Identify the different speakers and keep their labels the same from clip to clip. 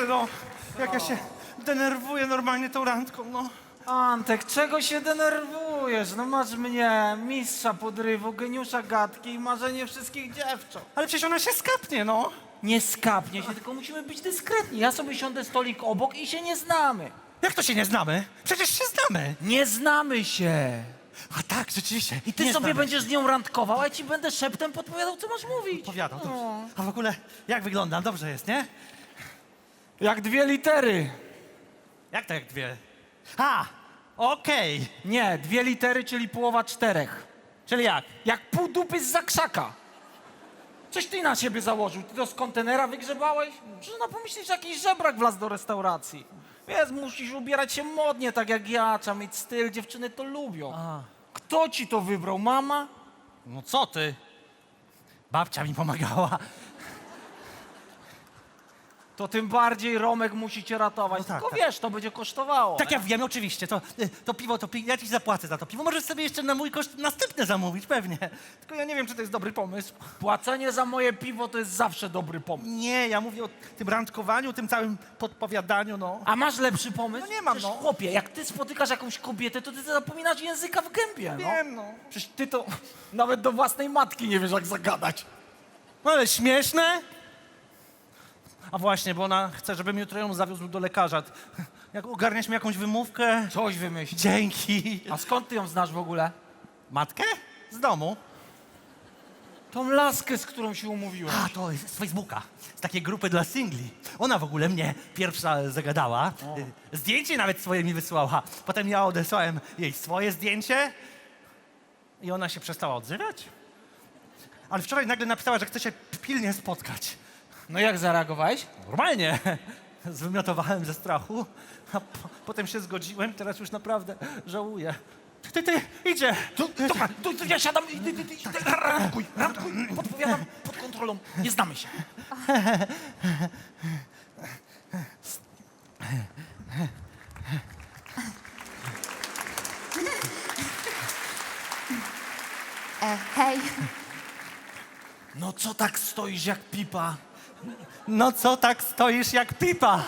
Speaker 1: no. Jak ja się denerwuję normalnie tą randką, no.
Speaker 2: Antek, czego się denerwujesz? No masz mnie, mistrza podrywu, geniusza gadki i marzenie wszystkich dziewcząt.
Speaker 1: Ale przecież ona się skapnie, no.
Speaker 2: Nie skapnie się, tylko musimy być dyskretni. Ja sobie siądę stolik obok i się nie znamy.
Speaker 1: Jak to się nie znamy? Przecież się znamy.
Speaker 2: Nie znamy się.
Speaker 1: A tak, rzeczywiście.
Speaker 2: I ty
Speaker 1: nie
Speaker 2: sobie
Speaker 1: znamy.
Speaker 2: będziesz z nią randkował, a ja ci będę szeptem podpowiadał, co masz mówić.
Speaker 1: Powiadał, dobrze.
Speaker 2: No.
Speaker 1: A w ogóle, jak wyglądam? Dobrze jest, nie?
Speaker 2: Jak 2 litery.
Speaker 1: Jak to jak dwie? A, okej.
Speaker 2: Nie, 2 litery, czyli połowa 4.
Speaker 1: Czyli jak?
Speaker 2: Jak pół dupy z zakrzaka. Coś ty na siebie założył? Ty to z kontenera wygrzebałeś? Można pomyśleć, że jakiś żebrak wlazł do restauracji. Wiesz, musisz ubierać się modnie, tak jak ja. Trzeba mieć styl, dziewczyny to lubią.
Speaker 1: A.
Speaker 2: Kto ci to wybrał? Mama?
Speaker 1: No co ty? Babcia mi pomagała.
Speaker 2: To tym bardziej Romek musi cię ratować.
Speaker 1: No tak,
Speaker 2: Tylko
Speaker 1: tak.
Speaker 2: wiesz, to będzie kosztowało.
Speaker 1: Tak, ja wiem, oczywiście. To piwo, ja ci zapłacę za to piwo. Możesz sobie jeszcze na mój koszt następne zamówić, pewnie. Tylko ja nie wiem, czy to jest dobry pomysł.
Speaker 2: Płacenie za moje piwo to jest zawsze dobry pomysł.
Speaker 1: Nie, ja mówię o tym randkowaniu, tym całym podpowiadaniu, no.
Speaker 2: A masz lepszy pomysł?
Speaker 1: No nie mam,
Speaker 2: Przecież,
Speaker 1: no.
Speaker 2: chłopie, jak ty spotykasz jakąś kobietę, to ty zapominasz języka w gębie, no.
Speaker 1: Wiem, no.
Speaker 2: Przecież ty to nawet do własnej matki nie wiesz, jak zagadać.
Speaker 1: No ale śmieszne. A właśnie, bo ona chce, żebym jutro ją zawiózł do lekarza. Jak ogarniesz mi jakąś wymówkę?
Speaker 2: Coś wymyśl.
Speaker 1: Dzięki.
Speaker 2: A skąd ty ją znasz w ogóle?
Speaker 1: Matkę? Z domu.
Speaker 2: Tą laskę, z którą się umówiłem.
Speaker 1: A, to jest z Facebooka. Z takiej grupy dla singli. Ona w ogóle mnie pierwsza zagadała. Zdjęcie nawet swoje mi wysłała. Potem ja odesłałem jej swoje zdjęcie i ona się przestała odzywać. Ale wczoraj nagle napisała, że chce się pilnie spotkać.
Speaker 2: No jak zareagowałeś?
Speaker 1: Normalnie. Zwymiotowałem ze strachu, a potem się zgodziłem. Teraz już naprawdę żałuję. Ty, idzie.
Speaker 2: Dobra, tu ja siadam i ty randkuj, podpowiadam pod kontrolą. Nie znamy się.
Speaker 3: Hej,
Speaker 2: No co tak stoisz jak pipa?
Speaker 1: No co tak stoisz jak pipa?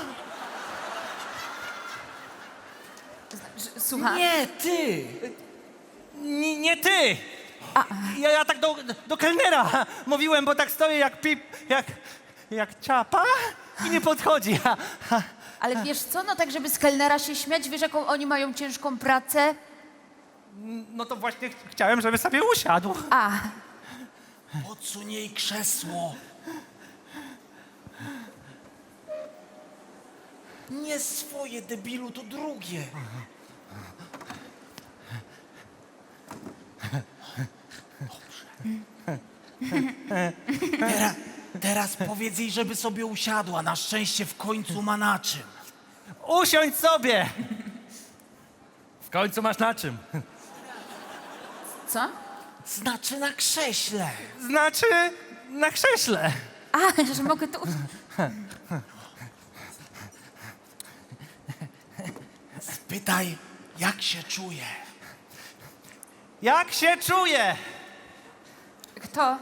Speaker 3: słucham.
Speaker 2: Nie, ty!
Speaker 1: Nie ty! Ja tak do kelnera mówiłem, bo tak stoję jak jak ciapa i nie podchodzi.
Speaker 3: Ale wiesz co, no tak żeby z kelnera się śmiać, wiesz jaką oni mają ciężką pracę?
Speaker 1: No to właśnie chciałem, żeby sobie usiadł.
Speaker 3: A,
Speaker 2: Podsuń jej krzesło. Nie swoje, debilu, to drugie. Dobrze. Teraz powiedz jej, żeby sobie usiadła. Na szczęście w końcu ma na czym.
Speaker 1: Usiądź sobie! W końcu masz na czym.
Speaker 3: co?
Speaker 2: Znaczy na krześle.
Speaker 1: Znaczy na krześle.
Speaker 3: A, że mogę tu...
Speaker 2: Spytaj, jak się czuje.
Speaker 1: Jak się czuję?
Speaker 3: Kto?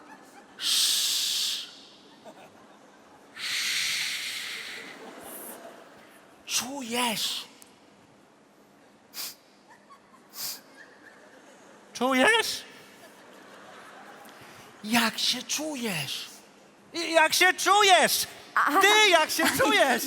Speaker 2: Czujesz?
Speaker 1: Czujesz?
Speaker 2: Jak się czujesz?
Speaker 1: Jak się czujesz? Ty jak się czujesz?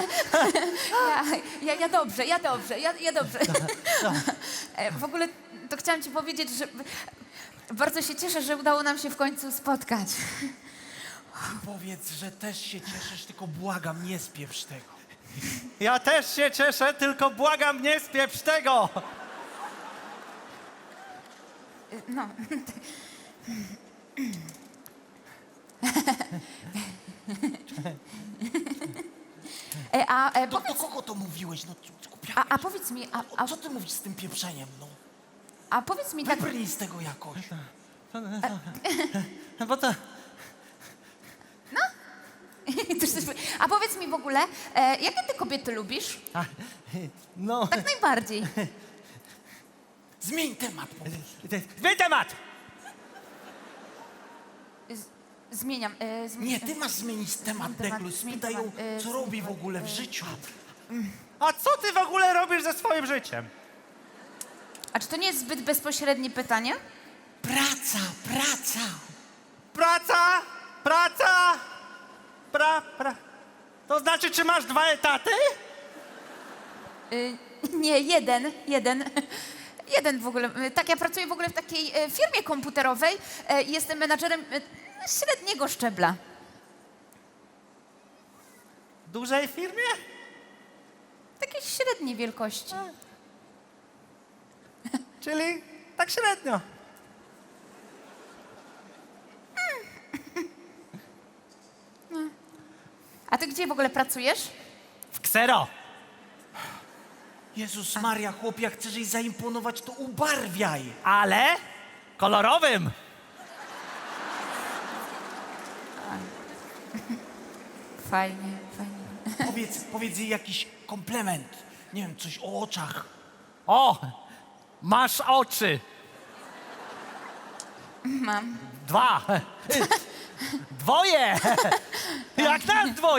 Speaker 3: Ja dobrze, ja dobrze. W ogóle to chciałam ci powiedzieć, że bardzo się cieszę, że udało nam się w końcu spotkać.
Speaker 2: Powiedz, że też się cieszysz, tylko błagam, nie spieprz tego.
Speaker 1: Ja też się cieszę, tylko błagam, nie spieprz tego.
Speaker 3: No.
Speaker 2: Do kogo to mówiłeś? No, głupia.
Speaker 3: A powiedz mi,
Speaker 2: Co ty mówisz z tym pieprzeniem, no?
Speaker 3: a powiedz mi tak...
Speaker 2: Wybrnij z tego jakoś.
Speaker 1: Bo to...
Speaker 3: A powiedz mi w ogóle, jakie ty kobiety lubisz?
Speaker 1: No...
Speaker 3: Tak najbardziej.
Speaker 2: Zmień temat, powiedz.
Speaker 1: Zmień temat!
Speaker 3: Zmieniam.
Speaker 2: Nie, ty masz zmienić temat, Deklu. Spytaj ją, co robi w ogóle w życiu.
Speaker 1: A co ty w ogóle robisz ze swoim życiem?
Speaker 3: A czy to nie jest zbyt bezpośrednie pytanie?
Speaker 2: Praca.
Speaker 1: Praca, praca. To znaczy, czy masz 2 etaty?
Speaker 3: Nie, jeden. Jeden w ogóle. Tak, ja pracuję w ogóle w takiej firmie komputerowej i jestem menadżerem średniego szczebla.
Speaker 1: Dużej firmie?
Speaker 3: Takiej średniej wielkości.
Speaker 1: Czyli tak średnio.
Speaker 3: A ty gdzie w ogóle pracujesz?
Speaker 1: W ksero.
Speaker 2: Jezus Maria, chłop, jak chcesz jej zaimponować, to ubarwiaj.
Speaker 1: Ale kolorowym.
Speaker 3: Fajnie.
Speaker 2: Powiedz jej jakiś komplement. Nie wiem, coś o oczach.
Speaker 1: O, masz oczy.
Speaker 3: Mam.
Speaker 1: 2. 2. Jak nas 2.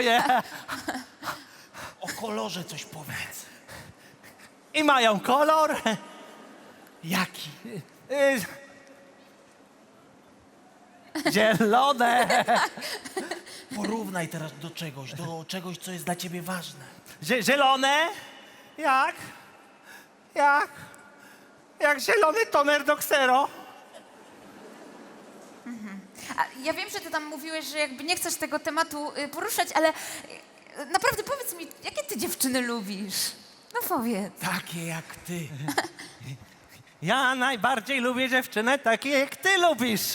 Speaker 2: O kolorze coś powiedz.
Speaker 1: I mają kolor.
Speaker 2: Jaki?
Speaker 1: y, Zielone.
Speaker 2: Porównaj teraz do czegoś, co jest dla ciebie ważne.
Speaker 1: Zielone. Jak zielony toner do ksero.
Speaker 3: A ja wiem, że ty tam mówiłeś, że jakby nie chcesz tego tematu poruszać, ale naprawdę powiedz mi, jakie ty dziewczyny lubisz? No powiedz.
Speaker 2: Takie jak ty.
Speaker 1: Ja najbardziej lubię dziewczynę takie, jak ty lubisz.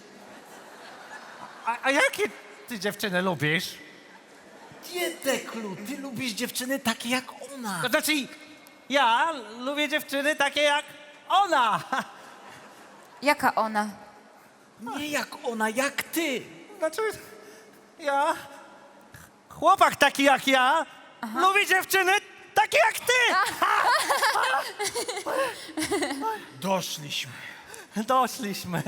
Speaker 1: A jakie ty dziewczyny lubisz?
Speaker 2: Nie, Deklu, ty lubisz dziewczyny takie jak ona.
Speaker 1: To znaczy, ja lubię dziewczyny takie jak ona.
Speaker 3: Jaka ona?
Speaker 2: Nie jak ona, jak ty.
Speaker 1: Znaczy, ja, chłopak taki jak ja, lubi dziewczyny takie jak ty.
Speaker 2: Doszliśmy.
Speaker 1: Doszliśmy.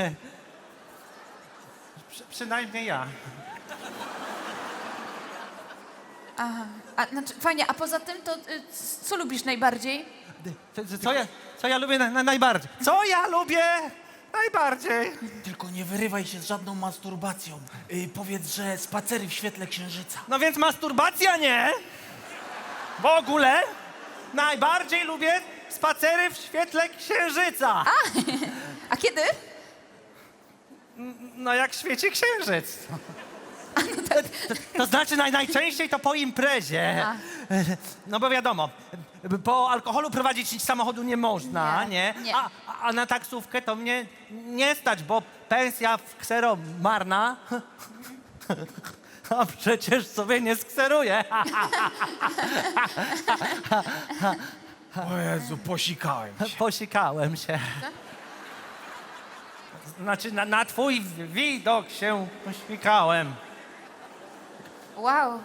Speaker 1: Przynajmniej ja.
Speaker 3: A, znaczy, fajnie, a poza tym to co lubisz najbardziej?
Speaker 1: Co ja lubię najbardziej? Co ja lubię najbardziej?
Speaker 2: Tylko nie wyrywaj się z żadną masturbacją. Powiedz, że spacery w świetle księżyca.
Speaker 1: No więc masturbacja nie. W ogóle najbardziej lubię spacery w świetle księżyca.
Speaker 3: A kiedy?
Speaker 1: No jak świeci księżyc. To znaczy najczęściej to po imprezie. No bo wiadomo, po alkoholu prowadzić samochodu nie można,
Speaker 3: Nie,
Speaker 1: nie?
Speaker 3: nie.
Speaker 1: A na taksówkę to mnie nie stać, bo pensja w ksero marna. A przecież sobie nie skseruję.
Speaker 2: O Jezu, posikałem się.
Speaker 1: Posikałem się. Znaczy na twój widok się posikałem.
Speaker 3: Wow.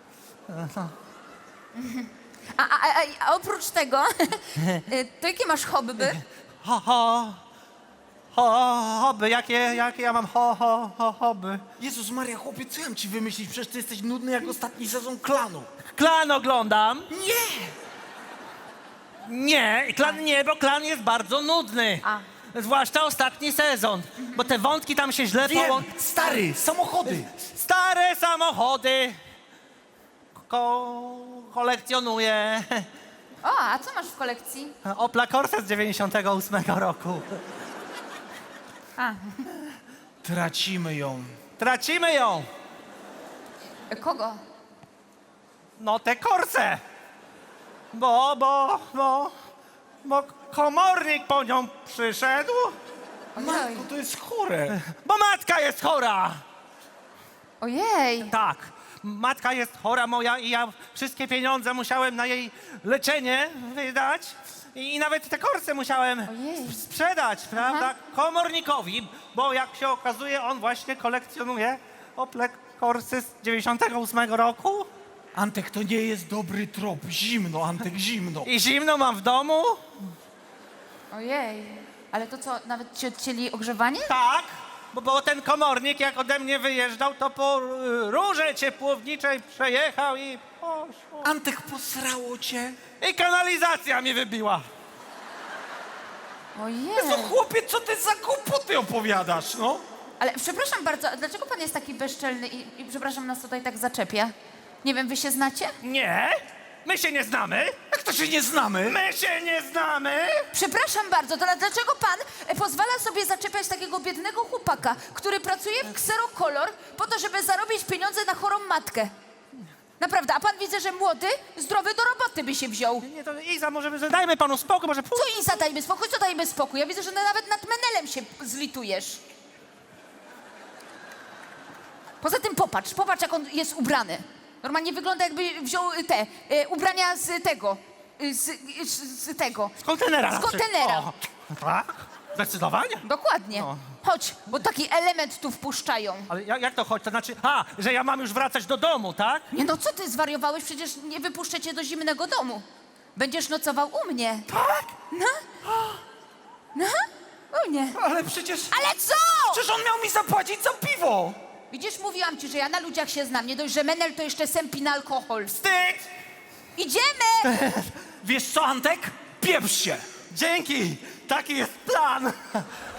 Speaker 3: A oprócz tego, to jakie masz hobby?
Speaker 1: Hobby, jakie ja mam hobby?
Speaker 2: Jezus Maria, chłopie, co ja mam ci wymyślić? Przecież ty jesteś nudny jak ostatni sezon Klanu.
Speaker 1: Klan oglądam.
Speaker 2: Nie!
Speaker 1: Nie, klan nie, bo klan jest bardzo nudny.
Speaker 3: A.
Speaker 1: Zwłaszcza ostatni sezon, bo te wątki tam się źle
Speaker 2: Wiem, stary, samochody.
Speaker 1: Stare samochody kolekcjonuję.
Speaker 3: O, a co masz w kolekcji?
Speaker 1: Opla Corsa z 98 roku.
Speaker 3: A,
Speaker 2: Tracimy ją.
Speaker 1: Tracimy ją.
Speaker 3: kogo?
Speaker 1: No tę Corsę. Bo komornik po nią przyszedł,
Speaker 2: Matko, to jest chore.
Speaker 1: bo matka jest chora.
Speaker 3: Ojej.
Speaker 1: Tak, matka jest chora moja i ja wszystkie pieniądze musiałem na jej leczenie wydać i nawet te Corsy musiałem
Speaker 3: Ojej.
Speaker 1: sprzedać, prawda, komornikowi, bo jak się okazuje, on właśnie kolekcjonuje Ople Corsy z 98 roku
Speaker 2: Antek, to nie jest dobry trop. Zimno, Antek, zimno.
Speaker 1: i zimno mam w domu.
Speaker 3: Ojej. Ale to co, nawet ci odcięli ogrzewanie?
Speaker 1: Tak, bo ten komornik jak ode mnie wyjeżdżał, to po rurze ciepłowniczej przejechał i poszło.
Speaker 2: Antek, posrało cię?
Speaker 1: I kanalizacja mi wybiła.
Speaker 3: Ojej.
Speaker 2: No chłopie, co ty za głupoty opowiadasz, no?
Speaker 3: Ale przepraszam bardzo, a dlaczego pan jest taki bezczelny i przepraszam, nas tutaj tak zaczepia? Nie wiem, wy się znacie?
Speaker 1: Nie, my się nie znamy.
Speaker 2: Jak to się nie znamy?
Speaker 1: My się nie znamy.
Speaker 3: Przepraszam bardzo, to dlaczego pan pozwala sobie zaczepiać takiego biednego chłopaka, który pracuje w Xerocolor po to, żeby zarobić pieniądze na chorą matkę? Naprawdę, a pan widzę, że młody, zdrowy do roboty by się wziął.
Speaker 1: Nie, to Iza, może dajmy panu spokój, może pół...
Speaker 3: Co Iza, dajmy spokój, co dajmy spokój? Ja widzę, że nawet nad Menelem się zlitujesz. Poza tym popatrz jak on jest ubrany. Normalnie wygląda, jakby wziął te ubrania z tego, z tego.
Speaker 1: Z kontenera.
Speaker 3: Z kontenera.
Speaker 1: O, tak? Zdecydowanie.
Speaker 3: Dokładnie.
Speaker 1: No.
Speaker 3: Chodź, bo taki element tu wpuszczają.
Speaker 1: Ale jak to chodzi? To znaczy, że ja mam już wracać do domu, tak?
Speaker 3: Nie no, co ty zwariowałeś? Przecież nie wypuszczę cię do zimnego domu. Będziesz nocował u mnie.
Speaker 1: Tak?
Speaker 3: No, u mnie.
Speaker 2: Ale przecież...
Speaker 3: Ale co?
Speaker 2: Przecież on miał mi zapłacić za piwo!
Speaker 3: Widzisz, mówiłam ci, że ja na ludziach się znam. Nie dość, że Menel to jeszcze sępin alkohol.
Speaker 1: Wstyd!
Speaker 3: Idziemy!
Speaker 2: Wiesz co, Antek? Pieprz się!
Speaker 1: Dzięki! Taki jest plan!